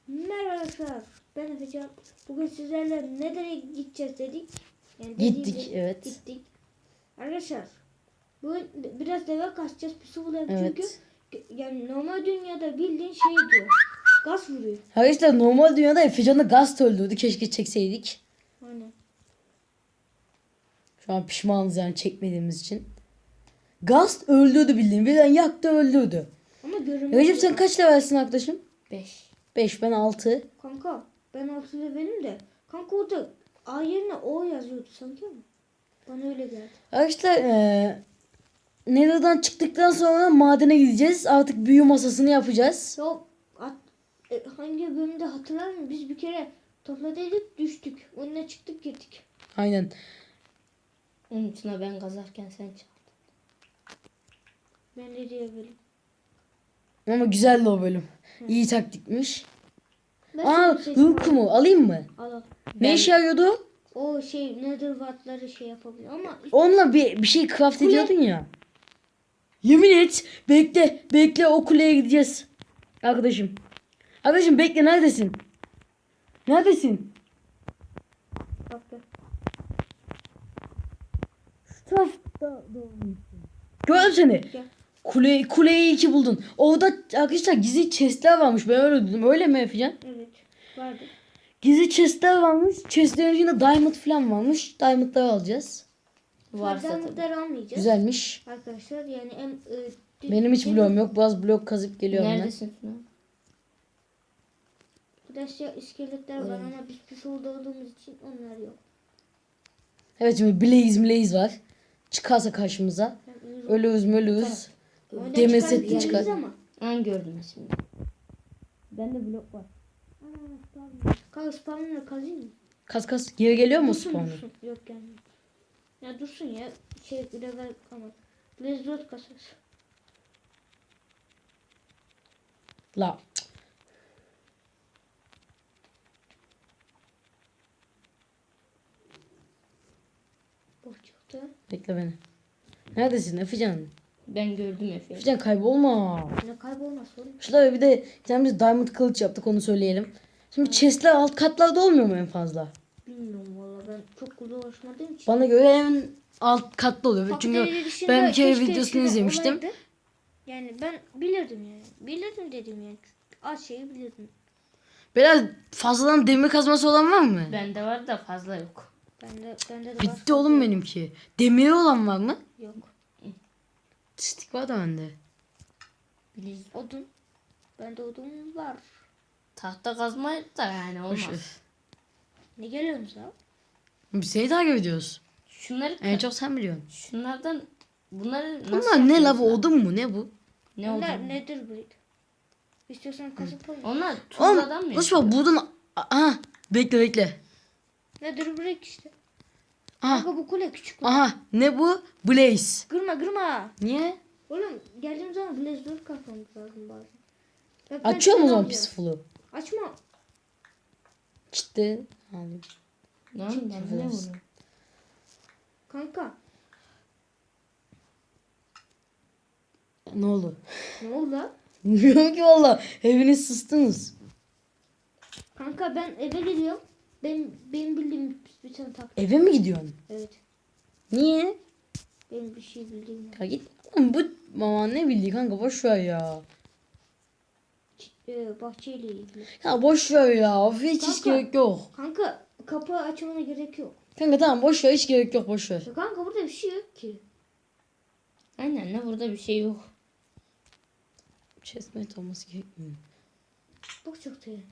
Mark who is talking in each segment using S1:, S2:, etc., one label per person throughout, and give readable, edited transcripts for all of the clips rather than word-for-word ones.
S1: Merhaba arkadaşlar. Ben Efecan. Bugün sizlerle nereye gideceğiz dedik. Yani
S2: Gittik, evet.
S1: Gittik. Arkadaşlar bugün biraz deve kaçacağız. Pusu bulalım
S2: Evet.
S1: çünkü yani normal dünyada bildiğin şey diyor. Gaz vuruyor.
S2: Arkadaşlar normal dünyada Efecan'ı gaz öldürdü. Keşke çekseydik.
S1: Aynen.
S2: Şu an pişmanız yani çekmediğimiz için. Gaz öldürdü bildiğin. Birden yaktı öldürdü.
S1: Ama görünmez.
S2: Recep sen kaç levelsin arkadaşım?
S3: 5.
S2: 5, ben 6.
S1: Kanka ben 6 levelim de. Kanka orada A yerine O yazıyordu sanki ama. Bana öyle geldi.
S2: Arkadaşlar Nether'dan çıktıktan sonra madene gideceğiz. Artık büyü masasını yapacağız.
S1: Hangi bölümde hatırlar mısın? Biz bir kere topladıydık düştük. Onunla çıktık girdik.
S2: Aynen.
S3: Onun için ben kazarken sen çal.
S1: Ben de diyebilirim.
S2: Ama güzeldi o bölüm. İyi taktikmiş.
S1: Ben
S2: Aa,
S1: senin
S2: Hulk mu? Alayım mı?
S1: Al.
S2: Ne işe yarıyordu?
S1: O nether wattları şey yapabiliyor ama
S2: Onunla bir şey craft ediyordun ya. Yemin et. Bekle. Bekle, o kuleye gideceğiz. Arkadaşım. Arkadaşım bekle, neredesin? Neredesin?
S1: bak be.
S2: Şu tarafta gördüm seni.
S1: Gel.
S2: Kuleyi 2 buldun. Orada arkadaşlar gizli chestler varmış. Ben öyle dedim. Öyle mi Efecan?
S1: Evet. Vardı.
S2: Gizli chestler varmış. Chestlerin içinde diamond falan varmış. Diamondları alacağız.
S3: Varsa tabii.
S1: Diamondları almayacağız.
S2: Güzelmiş.
S1: Arkadaşlar yani
S2: Benim hiç bloğum yok. Biraz blok kazıp geliyorum ben.
S3: Neredesin şu an?
S1: Arkadaşlar iskeletler var ama biz pis olduğumuz için onlar yok.
S2: Evet, şimdi Blaze var. Çıkarsa karşımıza. Ölüyüz.
S1: Oyundan
S2: Demir
S1: çıkardık
S2: setli çıkar.
S1: yerimiz ama.
S3: Ben gördüm şimdi.
S2: Bende blok var.
S1: Kanka spawn'ını kazayım mı?
S2: Kas. Geri geliyor mu
S1: Dursun,
S2: spawn'u?
S1: dursun. Yok gelmiyor. Ya dursun ya. Level ama. Blaze Road kasarız.
S2: La.
S1: Boş çıktı.
S2: Bekle beni. Neredesin Efecan?
S3: Ben gördüm Efe.
S2: Efecan kaybolma.
S1: Ne kaybolmaz oğlum.
S2: Şurada bir de biz diamond kılıç yaptık, onu söyleyelim. Şimdi chestler alt katlarda olmuyor mu en fazla?
S1: Bilmiyorum valla ben çok uğraşmadığım için.
S2: Bana göre en alt katta oluyor. Çünkü
S1: Fakirleri dışında
S2: ben bir kere
S1: keşke
S2: videosunu
S1: eskiden
S2: izlemiştim.
S1: olaydı. Yani ben bilirdim yani. Bilirdim dedim yani. Az şeyi bilirdim.
S2: Biraz fazladan demir kazması olan var mı?
S3: Bende var da fazla yok.
S1: Bende de
S2: Bitti oğlum benimki. Demiri olan var mı?
S1: Yok.
S2: Stik var da bende.
S3: Biliz.
S1: Odun. Bende odun var.
S3: Tahta kazma da yani
S2: Boş ver.
S3: olmaz.
S1: Ne geliyorsunuz ya?
S2: Biz seni takip ediyoruz.
S3: Şunları
S2: En çok sen biliyorsun.
S3: şunlardan bunları nasıl
S2: Bunlar ne la,
S3: yapıyoruz
S2: bu
S3: lan?
S2: odun mu ne bu?
S3: Ne oldu?
S1: Onlar nedir bu? İstiyorsan kasıp koy.
S3: Onlar
S2: Oğlum
S3: tuzladan mı
S2: Osman
S3: yapıyor?
S2: buradan... Aha, bekle.
S1: Nedir bu işte?
S2: Aha,
S1: Kanka bu kule küçük.
S2: aha, ne bu? Blaze.
S1: Kırma.
S2: Niye?
S1: Oğlum geldiğim zaman Blaze 4 kafamız lazım bazen. Bak, ben
S2: Açıyor mu o
S1: seni
S2: zaman
S1: alacağım.
S2: peaceful'u?
S1: Açma.
S2: Ciddi.
S3: Lan ben ne bunu?
S1: Kanka.
S2: Ne oldu?
S1: Ne oldu lan?
S2: Bilmiyorum ki valla. Hepiniz sustunuz.
S1: Kanka ben eve geliyorum. Benim bildiğim bir tane taktik.
S2: Eve mi gidiyorsun?
S1: Evet.
S2: Niye?
S1: Benim bir şey bildiğim var.
S2: Ya git. Oğlum bu mama ne bildi kanka, boş ver ya.
S1: Bahçeyle ilgili.
S2: Ya boş ver ya. Of, hiç
S1: Kanka.
S2: gerek yok.
S1: Kanka kapı açmana gerek yok.
S2: Kanka tamam, boş ver, hiç gerek yok, boş ver.
S1: Ya kanka burada bir şey yok ki.
S3: Aynen ne burada bir şey yok.
S2: Chestmate olması gerekmiyor.
S1: Bak çok iyi.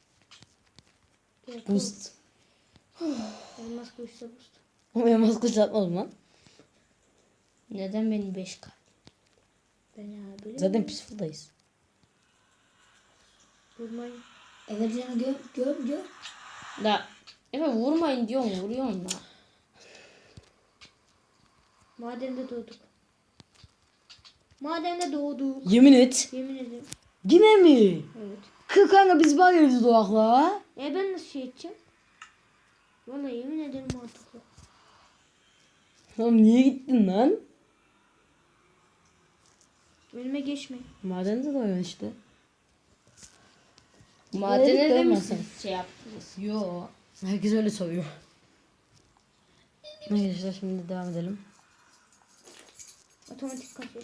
S1: Gel,
S2: Boost.
S1: Elmas kılıçla boost.
S2: Ama elmas kılıç atmadım lan.
S3: Neden benim 5K?
S1: Ben ya böyle
S2: Zaten peaceful'dayız.
S1: vurmayın.
S3: Evet canım gör. Da Efe vurmayın diyorum vuruyorsun da.
S1: Madende doğduk.
S2: Yemin et.
S1: Yemin ederim.
S2: Yine mi?
S1: Evet.
S2: Kanka biz var ya doğakla.
S1: Ben nasıl şey edeceğim? Vallahi yemin ederim mantıklı.
S2: Oğlum niye gittin lan?
S1: Önüme geçme.
S2: Madende doğuyorsun işte.
S3: Madene de
S2: Öyle
S3: mi
S2: olmasın.
S3: siz şey yaptınız?
S2: Yo. Herkes öyle soruyor. Arkadaşlar şimdi devam edelim.
S1: Otomatik kazıyor.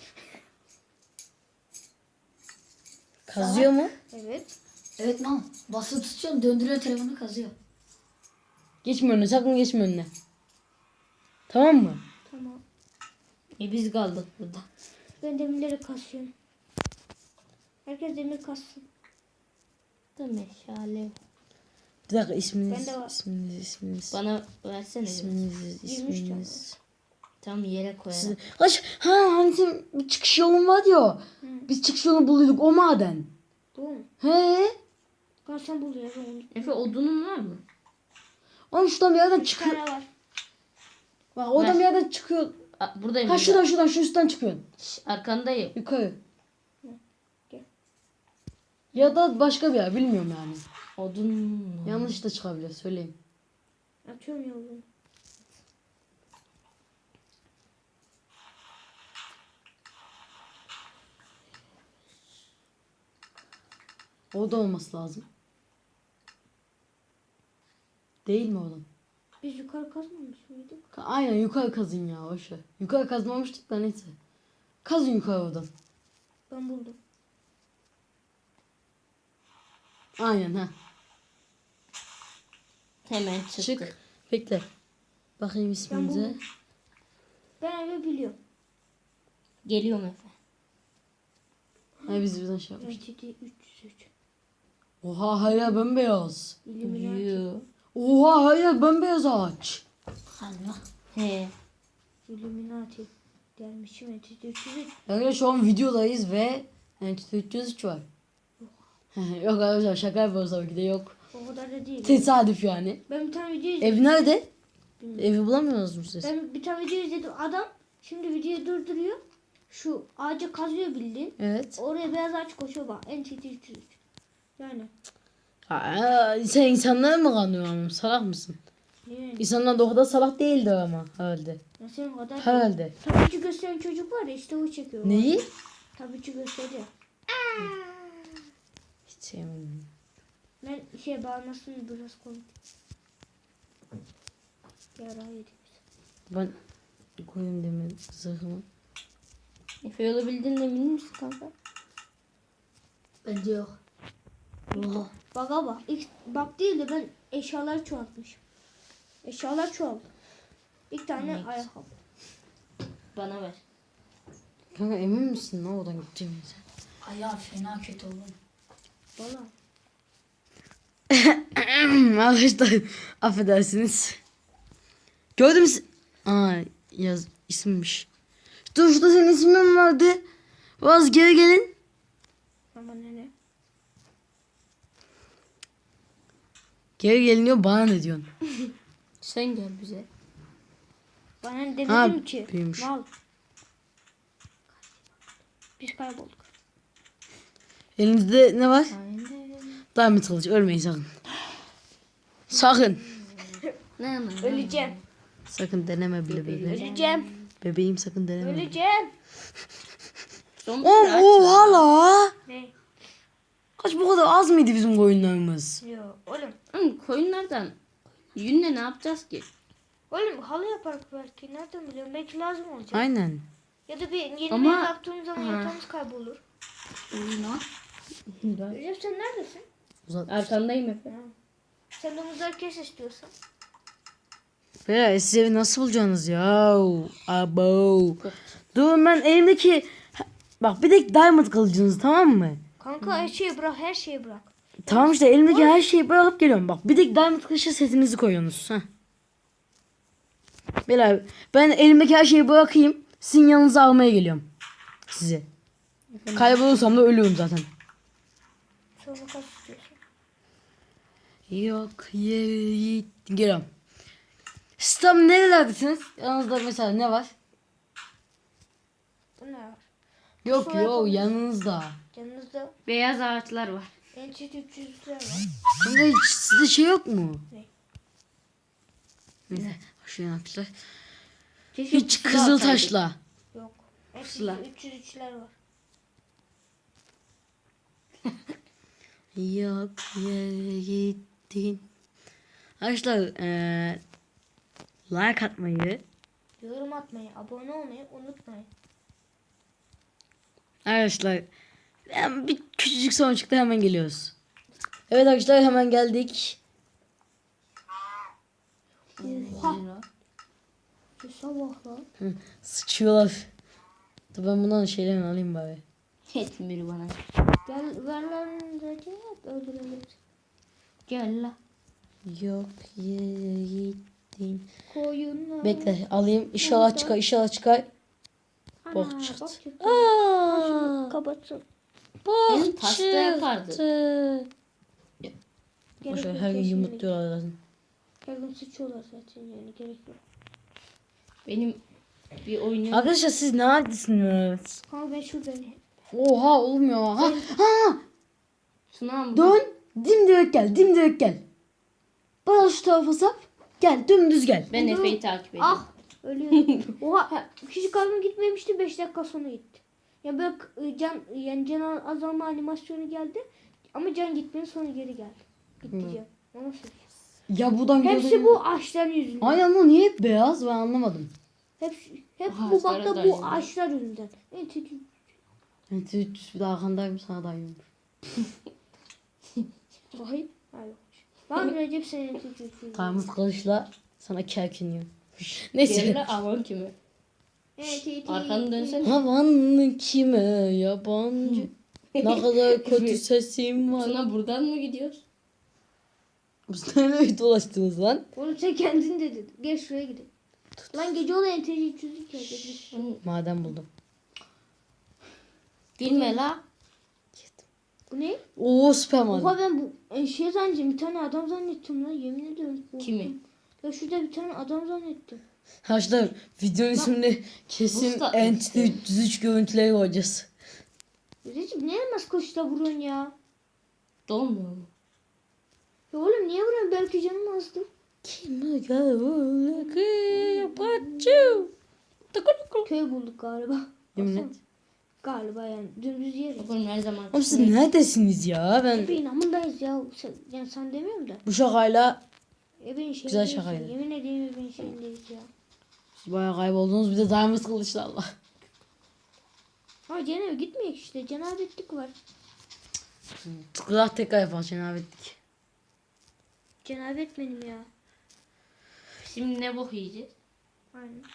S2: Kazıyor mu?
S1: Evet.
S4: Evet lan. Basıp tutuyorsun, döndürüyor telefonu, kazıyor.
S2: Geçme önüne, sakın geçme önüne. Tamam mı?
S1: Tamam.
S3: Biz kaldık burada.
S1: Ben demirleri kasıyorum. Herkes demir kassın.
S3: Da meşale.
S2: Bir dakika isminiz,
S1: Bende var.
S2: isminiz.
S3: Bana versene.
S2: İsminiz.
S3: Tam yere koyalım.
S2: Hani senin bir çıkış yolun var ya. Biz çıkış yolunu buluyorduk o maden.
S1: Bu mu?
S2: He?
S1: Ben sen buluyorum onu.
S3: Efe odunun var mı?
S2: Oğlum şuradan bir yerden
S1: 3
S2: çıkıyor.
S1: tane var.
S2: Bak oradan
S3: Ver.
S2: bir yerden çıkıyor.
S3: Buradayım.
S2: Ha
S3: burada.
S2: şuradan şu üstten çıkıyorsun.
S3: Arkandayım.
S2: Yukarı.
S1: Gel.
S2: Ya da başka bir yer bilmiyorum yani.
S3: Odun.
S2: Yanlış da çıkabilir söyleyeyim.
S1: Atıyorum yolunu.
S2: O da olması lazım. Değil mi oğlum?
S1: Biz yukarı kazmamış mıydık?
S2: Aynen yukarı kazın ya boşver. Yukarı kazmamıştık da neyse. Kazın yukarı oradan.
S1: Ben buldum.
S2: Aynen ha.
S3: Hemen çıktı.
S2: Çık. Bekle. Bakayım isminize.
S1: buldum. Ben öyle biliyorum.
S3: Geliyorum Efe.
S2: Ay biz birden şey yapmış.
S1: Entity 303.
S2: Oha hala bembeyaz.
S1: Illuminati.
S3: Yoo.
S2: Oha hala bembeyaz ağaç.
S4: Allah.
S3: He.
S1: Illuminati. Gelmişim Entity 303.
S2: Arkadaşlar şu an videodayız ve Entity 303 var. Yok arkadaşlar şaka yapıyoruz tabii ki de yok.
S1: O kadar da değil.
S2: Tesadüf yani.
S1: Ben bir tane video izledim.
S2: Ev nerede? Evi bulamıyoruz mu siz?
S1: Ben bir tane video izledim. Adam şimdi videoyu durduruyor. Şu ağacı kazıyor bildiğin.
S2: Evet.
S1: Oraya beyaz ağaç koşuyor bak. Entity 303. Yani.
S2: Sen insanlara mı kanıyorsun? Salak mısın?
S1: Yani.
S2: İnsanlar da o kadar salak değildi ama herhalde.
S1: Ya senin kadar.
S2: Herhalde.
S1: Tabiçi gösteren çocuk var ya işte o çekiyor.
S2: Neyi?
S1: Tabiçi gösteriyor.
S2: Hiç sevmedim.
S1: Ben bağırmasını biraz komik. Yara yedik biz.
S2: Ben koyayım demin zırhımı.
S3: Efe yolu bildiğin emin misin kanka?
S4: Bence yok. Oha.
S1: Baka bak. Bak değil de ben eşyaları çoğaltmışım. Eşyalar çoğaldı. İlk tane
S3: Evet.
S1: ayakkabı.
S3: Bana ver.
S2: Kanka emin misin ne oradan gideceğimize?
S4: Ayağı fena kötü oğlum.
S1: Valla.
S2: Arkadaşlar affedersiniz. Gördün mü? Aa yaz isimmiş. Dur şurada senin ismin vardı. Biraz geri gelin.
S1: Ama ne?
S2: Geri geliniyor bana ne diyorsun?
S3: Sen gel bize.
S1: Bana ne
S2: Ha,
S1: demedim ki.
S2: büyümüş.
S1: Mal. Biz kaybolduk.
S2: Elinizde ne var?
S3: Aynen.
S2: Diamond kılıcı ölmeyin sakın. Sakın.
S3: Ne?
S1: Öleceğim.
S2: Sakın deneme bile bebeğim.
S1: Öleceğim.
S2: Bebeğim sakın deneme.
S1: Öleceğim.
S3: Son
S2: Oha la.
S1: Ne?
S2: Kaç bu kadar az mıydı bizim koyunlarımız?
S1: Yok oğlum.
S3: Koyunlardan yünle ne yapacağız ki?
S1: Oğlum halı yaparız belki. Nereden biliyorum? Belki lazım olacak.
S2: Aynen.
S1: Ya da bir yeni
S3: Ama-
S1: bir yaptığımız zaman yatağımız kaybolur.
S4: Oyuna.
S1: Recep sen neredesin?
S2: Uzat.
S3: Arkandayım Efe.
S1: Sen domuzları kes istiyorsan.
S2: Beyler siz evi nasıl bulacaksınız ya? Abo. Dur ben elimdeki... Bak bir de diamond kılıcınız tamam mı?
S1: Kanka her şeyi bırak, her şeyi bırak.
S2: Tamam işte elimdeki her şeyi bırakıp geliyorum. Bak bir de diamond kılıcı setinizi koyuyorsunuz. Heh. Beyler ben elimdeki her şeyi bırakayım. Sizin yanınıza almaya geliyorum. Sizi. Kaybolursam da ölüyorum zaten.
S1: Sonra kaç istiyorsun?
S2: Yok yeri geliyorum. Siz tam nerelerdesiniz? Yanınızda mesela ne var?
S1: Bu ne var?
S2: Yok
S1: Sonra
S2: yok
S1: yapalım.
S2: yanınızda.
S1: Yanınızda
S3: Beyaz ağaçlar var.
S1: Entity 300'ler var.
S2: Kanka hiç sizde şey yok mu?
S1: Ne?
S2: Neyse. Şuraya atmışlar.
S3: Keşke
S2: Hiç
S3: pusula
S2: kızıl
S3: atsaydık.
S2: taşla.
S1: Yok. Entity
S3: Pusula.
S1: 303'ler var.
S2: Yok yere gittin. Arkadaşlar like atmayı,
S1: Yorum atmayı, abone olmayı unutmayın.
S2: arkadaşlar bir küçücük son çıktı, hemen geliyoruz. Evet arkadaşlar, hemen geldik.
S1: Oha. Şu sabah lan.
S2: Sıçıyorlar. Dur ben bundan şeylerini alayım bari.
S3: Etmir bana.
S1: Gel ver lan Recep. Öldürelim.
S3: Gel la.
S2: Yok yere gittin.
S1: Koyunlar.
S2: Bekle alayım. İnşallah çıkar, inşallah çıkar.
S1: Ana,
S2: Bok çıktı.
S1: bak çıktı.
S2: Aa,
S1: Kapatsın.
S2: bok
S3: Benim pasta yapardı.
S2: çıktı.
S1: Gerek
S2: Boşver,
S1: yok,
S2: her gün
S1: kesinlikle.
S2: yumurtluyorlar zaten.
S1: Her gün sıçıyorlar zaten yani gerek yok.
S3: Benim bir oyunum.
S2: Arkadaşlar siz neredesiniz?
S1: Ha ben şuradan.
S2: Oha olmuyor. Ha,
S3: Tuna mı?
S2: dön. Dimdirek gel, dimdirek gel. Bana şu tarafa sap. Gel, dümdüz gel.
S3: Ben Efe'yi takip ediyorum.
S1: Ah ölüyorum. Oha küçük kalbim gitmemişti 5 dakika sonra gitti. Ya böyle can azalma animasyonu geldi ama can gitmenin sonra geri geldi. Gitti can. O nasıl?
S2: Ya buradan
S1: Hepsi
S2: gördüğün-
S1: bu ağaçlar yüzünden.
S2: Aynen lan, niye hep beyaz, ben anlamadım.
S1: Hep
S3: Aha,
S1: bu
S3: sarı
S1: bakta
S3: da
S1: bu
S3: yüzünden.
S1: ağaçlar yüzünden. Evet,
S2: Evet, 300 bir daha arkandayım, sana da yiyorum.
S1: Vay. Hayır. Lan Recep senin tükürdüğün.
S2: Kaymış kılıçla sana kerkiniyor. Neyse.
S3: Gel la avan kimi? Arkanı dönsene.
S2: Havan kime yabancı. Ne kadar kötü sesim var.
S3: Tuna buradan mı gidiyoruz?
S2: Biz nereye dolaştınız lan?
S1: Oğlum sen kendin dedin. Gel şuraya gidelim. Lan gece olan NTC çözdük ya.
S2: Maden buldum.
S3: Gülme la.
S1: Bu ne?
S2: Oo, süper maden.
S1: Oha ben bu şey zannettim. Bir tane adam zannettim lan. Yemin ediyorum.
S3: Kimi?
S1: Ya şurada bir tane adam zannettim.
S2: Arkadaşlar videonun ismini kesin
S3: Musta-
S2: Entity 303 görüntüleri koyacağız.
S1: Recep ne elmas kılıçla vuruyorsun ya?
S3: Dolmuyor mu?
S1: Ya oğlum niye vuruyorsun? Belki canım azdı.
S2: Kime gavurluk yapacağım.
S1: Köy bulduk galiba.
S2: Yemin
S1: Baksana.
S2: et.
S1: Galiba yani dümdüz yer.
S3: Bakalım her zaman.
S2: Oğlum siz neredesiniz ya? Ben
S1: Bir inanımdayız ya. Yani sen demiyorum da.
S2: bu şakayla
S1: Evin şeyindeyiz.
S2: Güzel şakaydı.
S1: Yemin ederim evin şeyindeyiz ya.
S2: siz bayağı kayboldunuz. Bir de diamond kılıçlarla.
S1: Ama cenab gitmeyek işte. Cenabetlik var.
S2: Tıkırak tekrar yapar cenabetlik.
S1: Cenabet benim ya.
S3: Şimdi ne bok yiyeceğiz?
S1: Aynen.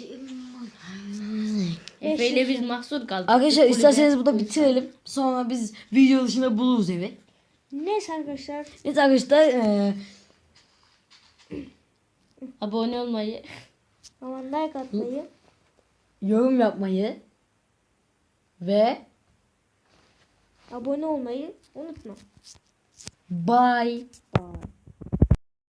S3: Efe ile biz mahsur kaldık.
S2: Arkadaşlar
S3: Kulübe.
S2: isterseniz burada bitirelim. Sonra biz video dışında buluruz evi.
S1: Neyse arkadaşlar.
S2: Evet arkadaşlar
S3: Abone olmayı.
S1: Aman like atmayı.
S2: yorum yapmayı ve
S1: Abone olmayı unutma.
S2: bye.
S1: Bye.